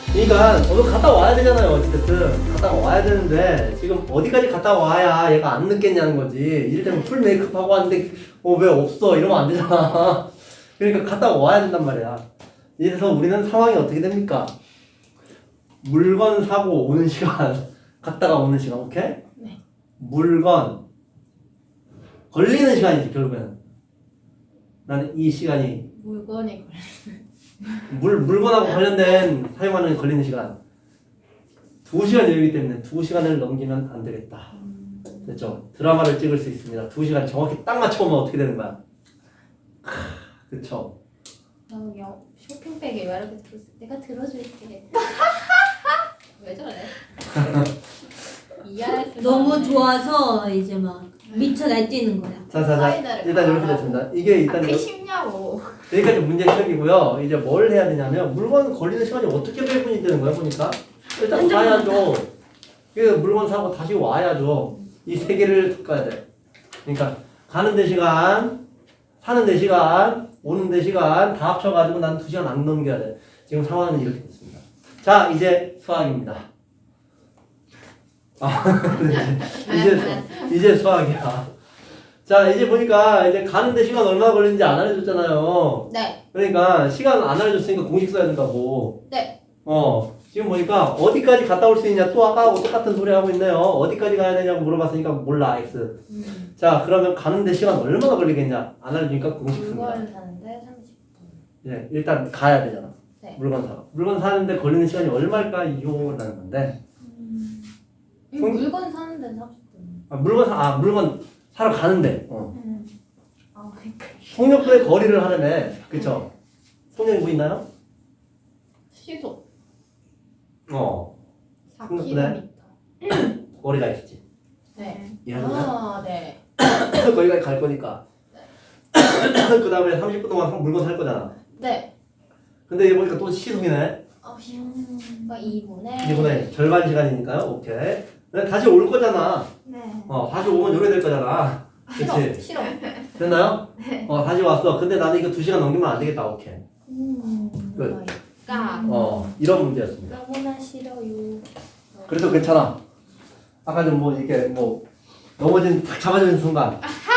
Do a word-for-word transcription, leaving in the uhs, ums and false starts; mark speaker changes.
Speaker 1: 그러니까 저도 갔다 와야 되잖아요. 어쨌든 갔다 와야 되는데 지금 어디까지 갔다 와야 얘가 안 늦겠냐는 거지. 이를테면 풀 메이크업 하고 왔는데 어 왜 없어 이러면 안 되잖아. 그러니까 갔다 와야 된단 말이야. 이래서 우리는 상황이 어떻게 됩니까? 물건 사고 오는 시간, 갔다가 오는 시간, 오케이?
Speaker 2: 네.
Speaker 1: 물건 걸리는 시간이지 결국에는. 나는 이 시간이
Speaker 2: 물건에
Speaker 1: 물, 물건하고 관련된 사용하는 걸리는 시간 두 시간 여유이기 때문에 두 시간을 넘기면 안 되겠다. 됐죠? 드라마를 찍을 수 있습니다. 두 시간 정확히 딱 맞춰오면 어떻게 되는 거야? 그쵸?
Speaker 2: 나 여, 쇼핑백에 왜 이렇게 들었어? 내가 들어줄게. 왜 저래? 이해할 수
Speaker 3: 너무 좋아서 이제 막 미쳐 날뛰는 거야.
Speaker 1: 자, 자, 자.
Speaker 2: 사이다를
Speaker 1: 일단 이렇게
Speaker 2: 가라고.
Speaker 1: 됐습니다. 이게 일단
Speaker 2: 아, 그
Speaker 1: 여-
Speaker 2: 쉽냐고.
Speaker 1: 여기까지 문제 해석이고요. 이제 뭘 해야 되냐면 물건 걸리는 시간이 어떻게 배분이 되는 거야 보니까 일단 가야죠. 그 물건 사고 다시 와야죠. 이 세 개를 섞어야 돼. 그러니까 가는 데 시간, 사는 데 시간, 오는 데 시간 다 합쳐가지고 난 두 시간 안 넘겨야 돼. 지금 상황은 이렇게 됐습니다. 자, 이제 수학입니다. 아, 이제 수- 이제 수학이야. 자, 이제 보니까 이제 가는데 시간 얼마 걸리는지 안 알려줬잖아요.
Speaker 2: 네.
Speaker 1: 그러니까 시간 안 알려줬으니까 공식 써야 된다고.
Speaker 2: 네.
Speaker 1: 어, 지금 보니까 어디까지 갔다 올 수 있냐 또 아까하고 똑같은 소리 하고 있네요. 어디까지 가야 되냐고 물어봤으니까 몰라 X.
Speaker 2: 음.
Speaker 1: 자, 그러면 가는데 시간 얼마나 걸리겠냐 안 알려주니까 공식 씁니다.
Speaker 2: 물건 사는데 삼십 분.
Speaker 1: 예, 일단 가야 되잖아.
Speaker 2: 네.
Speaker 1: 물건 사. 물건 사는데 걸리는 시간이 얼마일까요? 라는 건데.
Speaker 2: 이
Speaker 1: 성-
Speaker 2: 물건 사는데 삼십 분.
Speaker 1: 아, 물건 사, 아, 물건 사러 가는데. 어.
Speaker 2: 음. 아, 그러니까
Speaker 1: 송력분의 거리를 하려면, 그쵸? 송력이 보이나요?
Speaker 2: 시속
Speaker 1: 어.
Speaker 2: 사
Speaker 1: 그래.
Speaker 2: 킬로미터.
Speaker 1: 거리가 있지.
Speaker 2: 네.
Speaker 1: 이해하셨나요?
Speaker 2: 아, 네.
Speaker 1: 거기까지 갈 거니까. 그 다음에 삼십 분 동안 물건 살 거잖아.
Speaker 2: 네.
Speaker 1: 근데 이거 보니까 또 시속이네.
Speaker 2: 아, 그러니까 이 분에
Speaker 1: 이번에 절반 시간이니까요. 오케이. 근데 다시 올 거잖아.
Speaker 2: 네.
Speaker 1: 어, 다시 오면 요래 될 거잖아.
Speaker 2: 싫어.
Speaker 1: 그치?
Speaker 2: 싫어.
Speaker 1: 됐나요? 어, 다시 왔어. 근데 나는 이거 두 시간 넘기면 안 되겠다. 오케이.
Speaker 2: 음.
Speaker 1: 끝.
Speaker 2: 그러니까
Speaker 1: 어, 이런 문제였습니다.
Speaker 2: 너무나 싫어요.
Speaker 1: 그래도 괜찮아. 아까 좀 뭐 이렇게 뭐 넘어진 탁 잡아주는 순간